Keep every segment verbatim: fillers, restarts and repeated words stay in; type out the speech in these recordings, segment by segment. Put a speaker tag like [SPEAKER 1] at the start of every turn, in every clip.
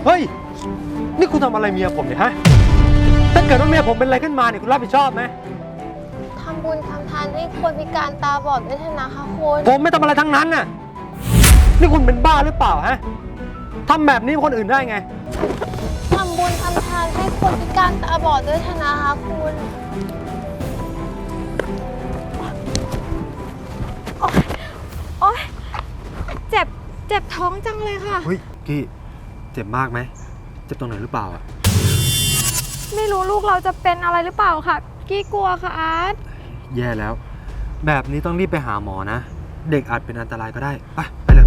[SPEAKER 1] เฮ้ยนี่คุณทำอะไรเมียผมเนี่ยฮะถ้าเกิดว่าเมียผมเป็นอะไรขึ้นมาเนี่ยคุณรับผิดชอบไหม
[SPEAKER 2] ทำบุญทำทานให้คนพิการตาบอดด้วยเถอะนะคะคุณ
[SPEAKER 1] ผมไม่ทำอะไรทั้งนั้นน่ะนี่คุณเป็นบ้าหรือเปล่าฮะทำแบบนี้คนอื่นได้ไง
[SPEAKER 2] ทำบุญทำทานให้คนพิการตาบอดด้วยเถอะนะคะคุณโอ๊ยเจ็บเจ็บท้องจังเลยค่ะ
[SPEAKER 1] เฮ้ยกี้เจ็บมากไหมเจ็บตรงไหนหรือเปล่าอ่ะ
[SPEAKER 2] ไม่รู้ลูกเราจะเป็นอะไรหรือเปล่าค่ะกี้กลัวค่ะอาร์ต
[SPEAKER 1] แย่แล้วแบบนี้ต้องรีบไปหาหมอนะเด็กอาจเป็นอันตรายก็ได้ไปไปเลย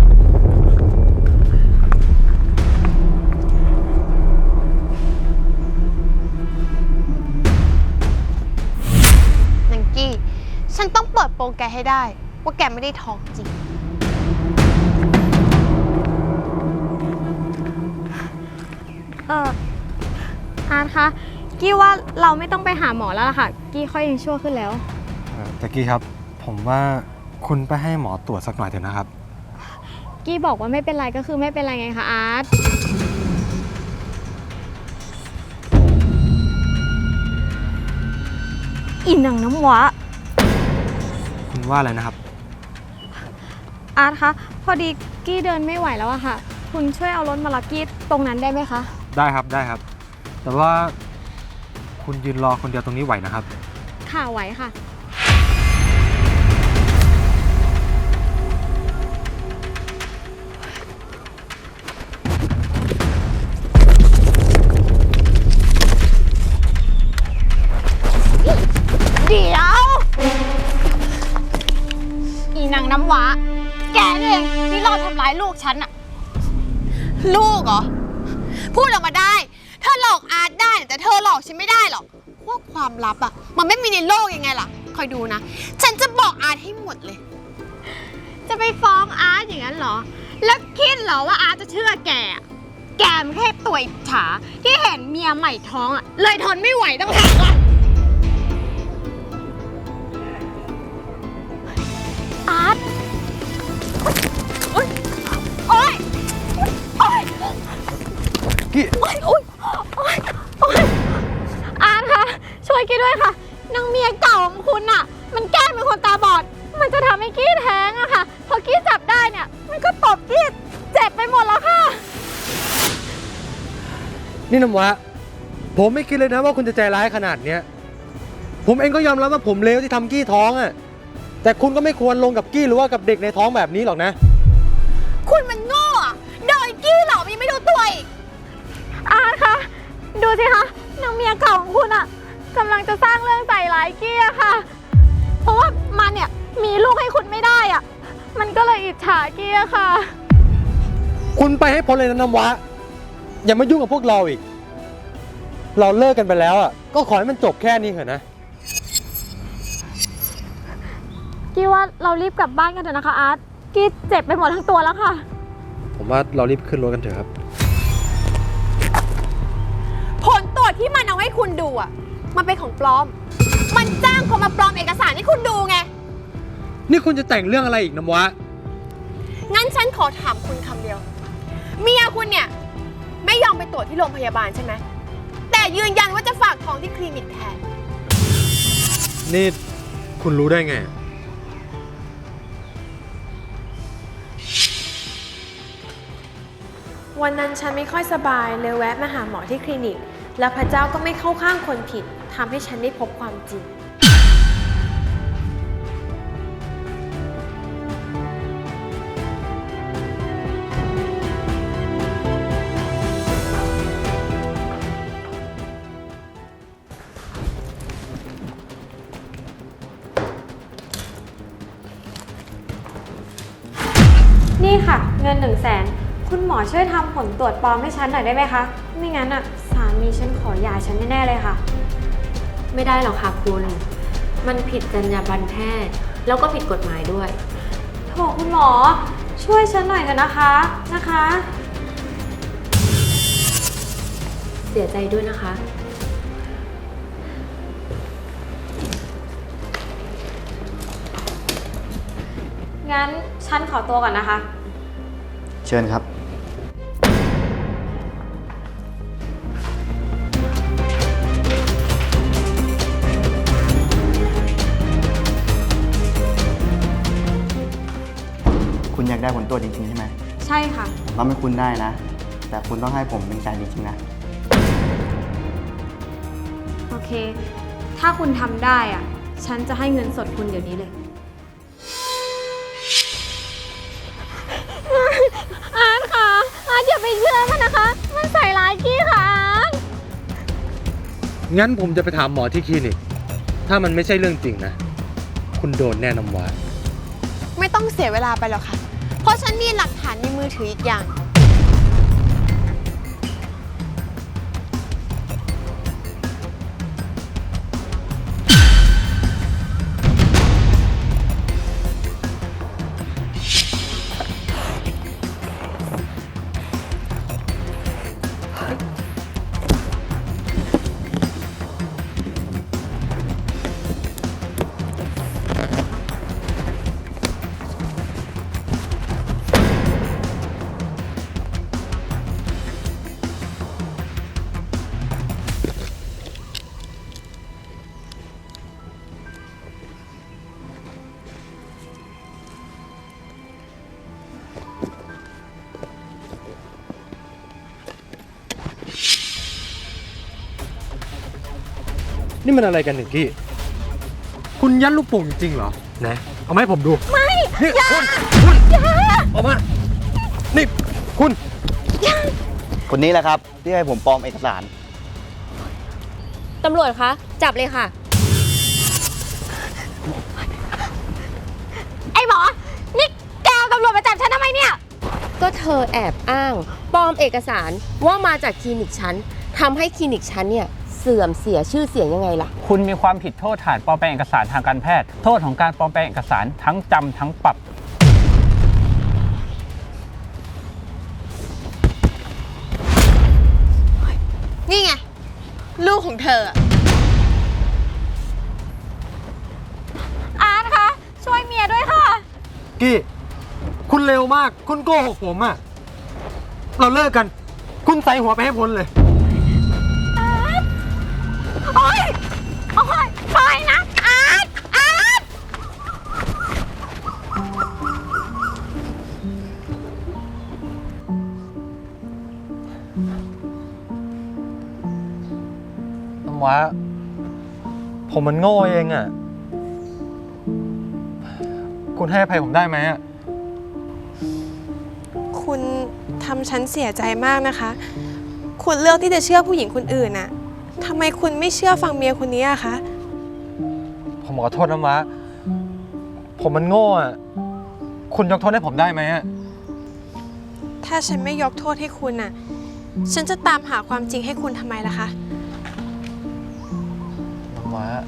[SPEAKER 2] นังกี้ฉันต้องเปิดโปงแกให้ได้ว่าแกไม่ได้ท้องจริง
[SPEAKER 3] เอออาร์ตคะกี้ว่าเราไม่ต้องไปหาหมอแล้วล่ะค่ะกี้ค่อยยังชั่วขึ้นแล้ว
[SPEAKER 1] แจ็คกี้ครับผมว่าคุณไปให้หมอตรวจสักหน่อยเถอะนะครับ
[SPEAKER 3] กี้บอกว่าไม่เป็นไรก็คือไม่เป็นไรไงคะอาร์ตอินหนังน้ำวะ
[SPEAKER 1] คุณว่าอะไรนะครับ
[SPEAKER 3] อาร์ตคะพอดีกี้เดินไม่ไหวแล้วอะค่ะคุณช่วยเอารถมารับกี้ตรงนั้นได้ไหมคะ
[SPEAKER 1] ได้ครับได้ครับแต่ว่าคุณยืนรอคนเดียวตรงนี้ไหวนะครับ
[SPEAKER 3] ค่ะไหวค่ะเดี๋ยวอีนางน้ำว้าแกนี่เองที่รอบทำร้ายลูกฉันอะ
[SPEAKER 2] ลูกเหรอพูดออกมาได้เธอหลอกอาร์ตได้แต่เธอหลอกฉันไม่ได้หรอกพวกความลับอะมันไม่มีในโลกยังไงล่ะคอยดูนะฉันจะบอกอาร์ตให้หมดเลย
[SPEAKER 3] จะไปฟ้องอาร์ตอย่างนั้นเหรอแล้วคิดเหรอว่าอาร์ตจะเชื่อแกแกมันแค่ตัวอิจฉาที่เห็นเมียใหม่ท้องอะเลยทนไม่ไหวต้องหากอะอาร์ตโอ๊ยโอ๊ยโอ๊ย
[SPEAKER 1] กี้
[SPEAKER 3] โอ๊ยโอ๊ยโอ๊ยโอ๊ยอาร์ตคะช่วยกี้ด้วยค่ะนางเมียเก่าของคุณน่ะมันแกล้งเป็นคนตาบอดมันจะทำให้กี้แท้งอะค่ะพอกี้จับได้เนี่ยมันก็ตบกี้เจ็บไปหมดแล้วค่ะ
[SPEAKER 1] นี่น้ำวะผมไม่คิดเลยนะว่าคุณจะใจร้ายขนาดเนี้ยผมเองก็ยอมรับว่าผมเลวที่ทำกี้ท้องอะแต่คุณก็ไม่ควรลงกับกี้หรือว่ากับเด็กในท้องแบบนี้หรอกนะ
[SPEAKER 2] คุณมันโง่อะโดยกี้หรอกยังไม่รู้ตัวอีก
[SPEAKER 3] อาร์ตคะดูสิคะนางเมียเก่าของคุณอะกำลังจะสร้างเรื่องใส่ร้ายกี้อะค่ะเพราะว่ามันเนี่ยมีลูกให้คุณไม่ได้อะมันก็เลยอิจฉากี้อะค่ะ
[SPEAKER 1] คุณไปให้พ้นเลยนะน้ำวะอย่ามายุ่งกับพวกเราอีกเราเลิกกันไปแล้วอ่ะก็ขอให้มันจบแค่นี้เถอะนะ
[SPEAKER 3] กี้ว่าเรารีบกลับบ้านกันเถอะนะคะอาร์ตกี้เจ็บไปหมดทั้งตัวแล้วค่ะ
[SPEAKER 1] ผมว่าเรารีบขึ้นรถกันเถอะครับ
[SPEAKER 2] ผลตรวจที่มันเอาให้คุณดูอ่ะมันเป็นของปลอมมันจ้างคนมาปลอมเอกสารให้คุณดูไง
[SPEAKER 1] นี่คุณจะแต่งเรื่องอะไรอีกน้ำวะ
[SPEAKER 2] งั้นฉันขอถามคุณคำเดียวเมียคุณเนี่ยไม่ยอมไปตรวจที่โรงพยาบาลใช่ไหมแต่ยืนยันว่าจะฝากท้องที่คลินิกแทน
[SPEAKER 1] นี่คุณรู้ได้ไง
[SPEAKER 4] วันนั้นฉันไม่ค่อยสบายเลยแวะมาหาหมอที่คลินิกแล้วพระเจ้าก็ไม่เข้าข้างคนผิดทำให้ฉันได้พบความจริงนี่ค่ะเงินหนึ่งแสนคุณหมอช่วยทำผลตรวจปลอมให้ฉันหน่อยได้ไหมคะไม่งั้นอ่ะสามีฉันขอหย่าฉันแน่ๆเลยค่ะ
[SPEAKER 5] ไม่ได้หรอกค่ะคุณมันผิดจรรยาบรรณแพทย์แล้วก็ผิดกฎหมายด้วย
[SPEAKER 4] โถคุณหมอช่วยฉันหน่อยเถอะนะคะนะคะ
[SPEAKER 5] เสียใจด้วยนะคะ
[SPEAKER 4] งั้นฉันขอตัวก่อนนะคะ
[SPEAKER 6] เชิญครับากได้ผลตรวจจริงๆใช่ไหม
[SPEAKER 4] ใช่ค่ะ
[SPEAKER 6] ผมทำให้คุณได้นะ แต่คุณต้องให้ผมเป็นใจจริงๆนะ
[SPEAKER 4] โอเค ถ้าคุณทำได้อ่ะ ฉันจะให้เงินสดคุณเดี๋ยวนี้เลย
[SPEAKER 3] อาร์ตค่ะ อาร์ตอย่าไปเชื่อมันนะคะ มันใส่ร้ายกี้ค่ะอาร์ต
[SPEAKER 1] งั้นผมจะไปถามหมอที่คลินิก ถ้ามันไม่ใช่เรื่องจริงนะ คุณโดนแน่น้ำว้า
[SPEAKER 2] ไม่ต้องเสียเวลาไปหรอกค่ะ เพราะฉันมีหลักฐานในมือถืออีกอย่าง
[SPEAKER 1] นี่มันอะไรกันหนึ่งกี้ คุณยัดลูกโป่งจริงเหรอไหนเอามาให้ผมดู ไม่นี่คุณคุณออกมา นี่คุณ
[SPEAKER 6] คนนี้แหละครับ ที่ให้ผมปลอมเอกสาร
[SPEAKER 5] ตำรวจคะ จับเลยค่ะ
[SPEAKER 3] ไอ้หมอ นี่แกเอาตำรวจมาจับฉันทำไมเนี่ย
[SPEAKER 5] ก็เธอแอบอ้างปลอมเอกสารว่ามาจากคลินิกฉันทำให้คลินิกฉันเนี่ยเสื่อมเสียชื่อเสียงยังไงล่ะ
[SPEAKER 7] คุณมีความผิดโทษฐานปลอมแปลงเอกสารทางการแพทย์ โทษของการปลอมแปลงเอกสารทั้งจำทั้งปรับ
[SPEAKER 2] นี่ไง ลูกของเธออะ
[SPEAKER 3] อาร์ตคะ ช่วยเมียด้วยค่ะ
[SPEAKER 1] กี้ คุณเร็วมาก คุณโกหกผมอะเราเลิกกัน คุณใส่หัวไปให้พ้นเลย
[SPEAKER 3] โอ๊ย โอ๊ยปล่อยนะ อาร์ต อาร์ต
[SPEAKER 1] น้ำว้า ผมมันโง่เองอะ คุณให้อภัยผมได้ไหมอะ
[SPEAKER 8] คุณทำฉันเสียใจมากนะคะ คุณเลือกที่จะเชื่อผู้หญิงคนอื่นน่ะทำไมคุณไม่เชื่อฟังเมียคนนี้อะคะ
[SPEAKER 1] ผมขอโทษน้ำว้า ผมมันโง่อะ คุณยกโทษให้ผมได้ไหมอะ
[SPEAKER 8] ถ้าฉันไม่ยกโทษให้คุณน่ะ ฉันจะตามหาความจริงให้คุณทำไมล่ะคะ
[SPEAKER 1] น้ำว้า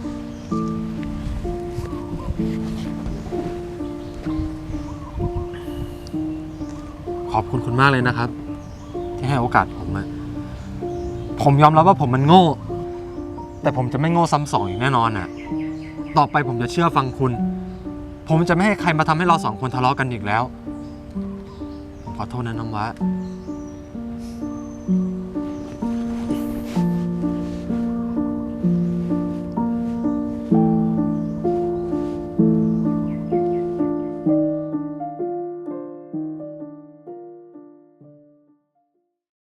[SPEAKER 1] ขอบคุณคุณมากเลยนะครับ ที่ให้โอกาสผมอะผมยอมรับว่าผมมันโง่ แต่ผมจะไม่โง่ซ้ำสองอย่างแน่นอนอะต่อไปผมจะเชื่อฟังคุณ ผมจะไม่ให้ใครมาทำให้เราสองคนทะเลาะกันอีกแล้วผมขอโทษนะน้ำว้า